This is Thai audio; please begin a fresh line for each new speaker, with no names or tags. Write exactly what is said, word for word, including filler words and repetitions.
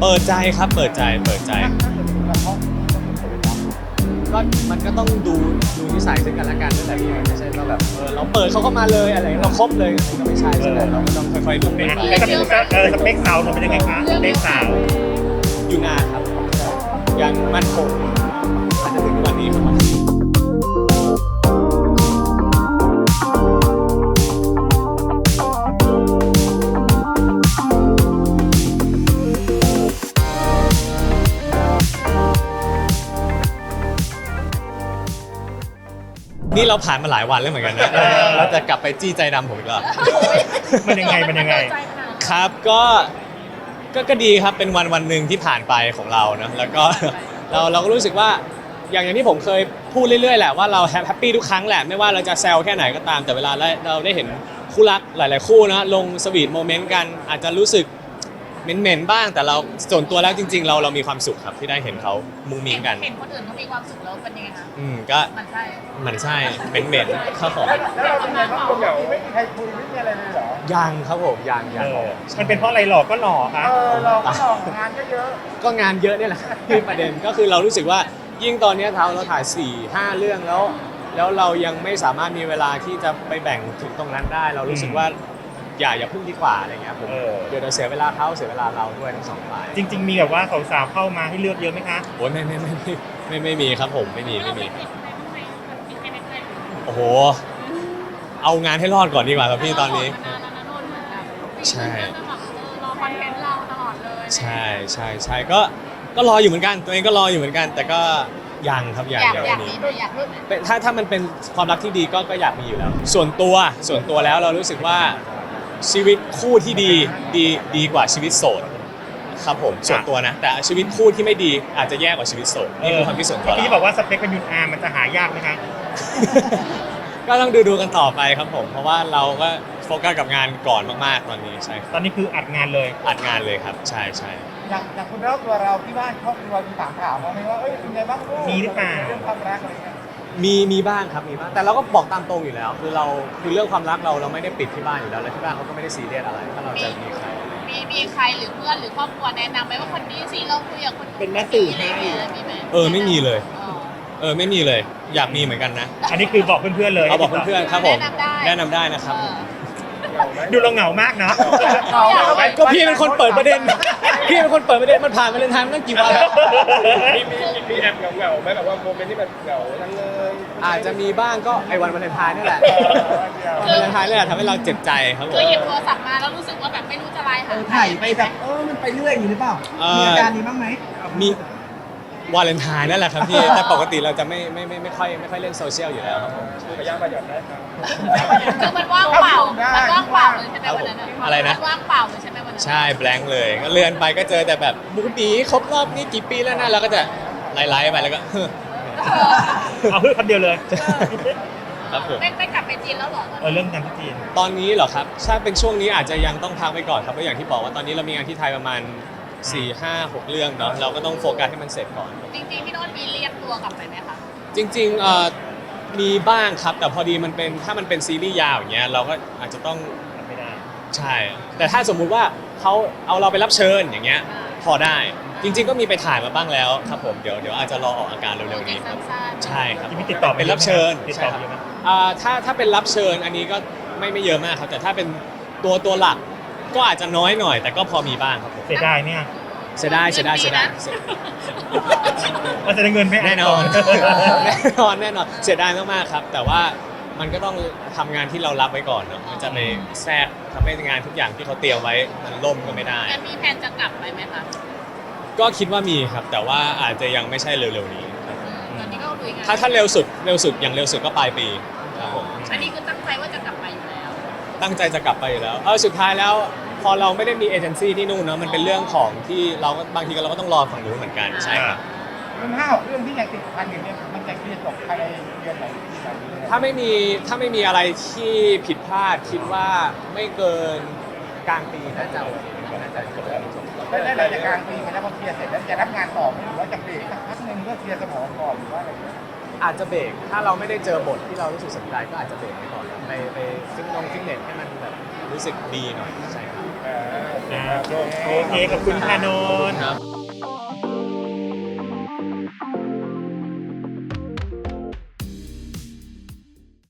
ปิดใจครับเปิดใจเปิดใจก็มันก็ต้องดูดูนิสัยซึ่งกันและกันนั่นแหละพี่ไม่ใช่ว่าแบบเออเราเปิดเขาเข้ามาเลยอะไรเราครบเลยมันก็ไม่ใช่ใช่ไหมเราก็ต้องค่อยๆดูไป
ไอ้สเปคเออสเปคสาวเราเป็นยังไงคะสเปคสาว
อยู่นานครับยังมั่นคงอาจจะถึงวันนี้ครับนี่เราผ่านมาหลายวันแล้วเหมือนกันนะเราจะกลับไปจี้ใจดำผมอีกแล้ว
มันยังไงมันยังไง
ครับก็ก็ก็ดีครับเป็นวันวันหนึ่งที่ผ่านไปของเรานะแล้วก็เราเราก็รู้สึกว่าอย่างอย่างที่ผมเคยพูดเรื่อยๆแหละว่าเราแฮปปี้ทุกครั้งแหละไม่ว่าเราจะแซวแค่ไหนก็ตามแต่เวลาเราได้เห็นคู่รักหลายๆคู่นะลงสวีทโมเมนต์กันอาจจะรู้สึกเหม็นๆบ้างแต่เราส่วนตัวแล้วจริงๆเราเรามีความสุขครับที่ได้เห็นเขามุงมิงกัน
เห็นคนอื่นเขามีความสุขแล้วเป็นยังไงคะ
อืมก็
มันใช่
มันใช่เหม็นๆข้าวของ
แล้วเราเป็นไงบ้างเหงาไม่มีใครคุยไม่มีอะไรเลยเหรอ
ยังครับผมยังยั
เอง อมันเป็นเพราะอะไรหล่อก็หล่อคะ
เออเราก็ลองงานก็เยอะ
ก็งานเยอะเนี่ยแหละคือประเด็นก็คือเรารู้สึกว่ายิ่งตอนนี้เราเราถ่าย สี่ ห้า เรื่องแล้ว แล้วเรายังไม่สามารถมีเวลาที่จะไปแบ่งถึงตรงนั้นได้ เรารู้สึกว่าอย่าอย่าพึ่งดีกว่าอะไรเงี้ยผมเดี๋ยวเสียเวลาเขาเสียเวลาเราด้วยทั้งสองฝ่าย
จริง ๆ มีแบบว่าสาวๆเข้ามาให้เลือกเยอะไหมคะ
โอ้ยไม่ไม่ไม่ไม่ไม่ไม่มีครับผมไม่มีไม่มีโอ้โหเอางานให้รอดก่อนดีกว่าครับพี่ตอนนี้ใช่
รอคอนเทนต์เราตลอดเลย
ใช่ใช่ใช่ก็ก็รออยู่เหมือนกันตัวเองก็รออยู่เหมือนกัน แต่ก็ยังครับยัง
อยาก
ยัง
อยาก
มี
มีหนูอยากมีไหม
เป็นถ้าถ้ามันเป็นความรักที่ดีก็ก็อยากมีอยู่แล้ว ส่วนตัวส่วนตัวแล้วเรารู้สึกว่าชีวิตคู่ที่ดีดีดีกว่าชีวิตโสดครับผมส่วนตัวนะแต่ชีวิตคู่ที่ไม่ดีอาจจะแย่กว่าชีวิตโสดนี่คือความคิดส่วนตัว
ที่บอกว่าสเปคเป็นยุนอามันจะหายากไหมคะ
ก็ต้องดูดูกันต่อไปครับผมเพราะว่าเราก็โฟกัสกับงานก่อนมากๆตอนนี้ใช่
ตอนนี้คืออัดงานเลย
อัดงานเลยครับใช่ใช่
อย่างอย่างคุณแล้วตัวเราที่บ้านครอบครัวมีถามถามมาไหมว่าเอ้ยเป็นไงบ้างลูก
มีหรือเปล่า
เรื่องความรักอะไรเงี้ย
มีมีบ้างครับมีบ้างแต่เราก็บอกตามตรงอยู่แล้ว คือเราคือเรื่องความรักเราเราไม่ได้ปิดที่บ้านอยู่แล้วและที่บ้านเขาก็ไม่ได้ซีเรียสอะไรถ้าเราจะมีใคร
มีมีใครหรือเพื่อนหรือครอบครัวแนะนำไหมว่าคนนี้สิเราคุยกับคน
เป็นแม่สื่อให้
มีไหม
เออไม่มีเลยเออไม่มีเลยอยากมีเหมือนกันนะ
อันนี้คือบอกเพื่อนๆเลย
เอาบอกเพื่อนๆครับผมแนะนำได้นะครับ
ดูเราเหงามากเนาะ
ก็พี่เป็นคนเปิดประเด็นพี่เป็นคนเปิดประเด็นมันผ่านมาเลนไทน์ตั้งกี่วันแล้ว
มีมีมีแอบเหงาๆไหมแบบว่าโมเมนต์ที่แบบเหงาทั้งเลย
อาจจะมีบ้างก็ไอ้วันวาเลนไทน์นี่แหละวันวาเลนไทน์นี่แหละทำให้เราเจ็บใจครับผม
คือหยิบโทรศัพท์มาแล้วรู้สึกว่าแบบไม่รู้จะไลน์หา
ถ่ายไปแบบเออมันไปเรื่อยอย่างนี้หรือเปล่ามีอาการนี้บ้างไหม
มีวาเลนไทน์นั่นแหละครับพี่แต่ปกติเราจะไม่ไม่ไม่ไม่ค่อยไม่ค่อยเล่นโซเชียลอยู่แล้วครับผม
พยายามประหยัดได้ครับ
คือมันว่างเปล่ามันว่างเปล่าเลยใช่ไหมวันนั้น
อะไรนะ
มันว่างเปล่าเลยใช่ไหมวันนั้น
ใช่แบงค์เลยก็เลื่อนไปก็เจอแต่แบบบูบีครบรอบนี้กี่ปีแล้วนะเราก็จะไล่ๆไปแล้วก็
เอาเพื่อนคนเดียวเลย
ครับผม
ไม่ไม่กลับไปจีนแล้วหรอ
เออเรื่องงานที่จีน
ตอนนี้เหรอครับถ้าเป็นช่วงนี้อาจจะยังต้องพักไปก่อนครับเพราะอย่างที่บอกว่าตอนนี้เรามีงานที่ไทยประมาณ สี่ ห้า หก เรื่องเนาะเราก็ต้องโฟกัสให้มันเสร็จก่อน
จริงๆพี่โน้ตมีเรียกตัวกลับไปไหมคะ
จริงๆเอ่อมีบ้างครับแต่พอดีมันเป็นถ้ามันเป็นซีรีส์ยาวอย่างเงี้ยเราก็อาจจะต้อง
ไม่ได้
ใช่ แต่ถ้าสมมุติว่าเขาเอาเราไปรับเชิญอย่างเงี้ยพอได้จริง ๆ ก็มีไปถ่ายมาบ้างแล้วครับผมเดี๋ยวเดี๋ยวอาจจะรอออกอาการเร็วๆนี้ครับใช่ครับ
มีติดต่อ
เป็นรับเชิญ
ติด
ใช่
ต่อ
ครับ
เยอะไหม
อ่าถ้าถ้าเป็นรับเชิญอันนี้ก็ไม่ไม่เยอะมากครับแต่ถ้าเป็นตัวตัวหลักก็อาจจะน้อยหน่อย แต่ก็พอมีบ้างครับผม
เสียดายเนี่ย
เสียดายเสียดายเสียดาย
มันจะได้เงินไหม
แน่นอน แน่นอนแน่นอนเสียดายมากๆครับ แต่ว่ามันก็ต้องทำงานที่เรารับไว้ก่อนเนาะมันจะไปแทรกทำให้งานทุกอย่างที่เขาเตรียมไว้มันล่มก็ไม่ได้
จะมีแผนจะกลับไปไหมคะ
ก็คิดว่ามีครับ แต่ว่าอาจจะยังไม่ใช่เร็วๆนี้ครับ
ตอนนี้ก็ลุยงาน
ถ้าถ้าเร็วสุดเร็วสุดอย่างเร็วสุดก็ปลายปีครับผม
อันนี้คือตั้งใจว่าจะกลับไปอยู่แล้ว
ตั้งใจจะกลับไปอยู่แล้วเออสุดท้ายแล้วพอเราไม่ได้มีเอเจนซี่ที่นู่นเนาะมันเป็นเรื่องของที่เราก็บางทีเราก็ต้องรอฝั่งนู้นเหมือนกันใช่ครับ
เรื่องห้าเรื่องที่ยังติดพันอยู่เนี่ยมันจะเคลียร์จบภายในเดือนไหนที่ไหนเนี่ย
ถ้าไม่มีถ้าไม่มีอะไรที่ผิดพลาดคิดว่าไม่เกินกลางปีน่าจะโอเคน่าจะจบแล้วจบ
ได้ได้หลังจากกลางปีไปแล้วพอเคลียร์เสร็จแล้วจะรับงานต่อไหมหรือว่าจะเบรกสักพักหนึ่งเพื่อเคลียร์สมองก่อนหรือว่าอะไรอย่างเงี้ย
อาจจะเบรกถ้าเราไม่ได้เจอบทที่เรารู้สึกสนใจก็อาจจะเบรกไปก่อนไปไปฟิตนงฟิตเนสให้มันแบบรู้สึกดีหน่อยใช่ครับ
เออ
อ่าโอเคขอบคุณค่ะนนท์
ครับ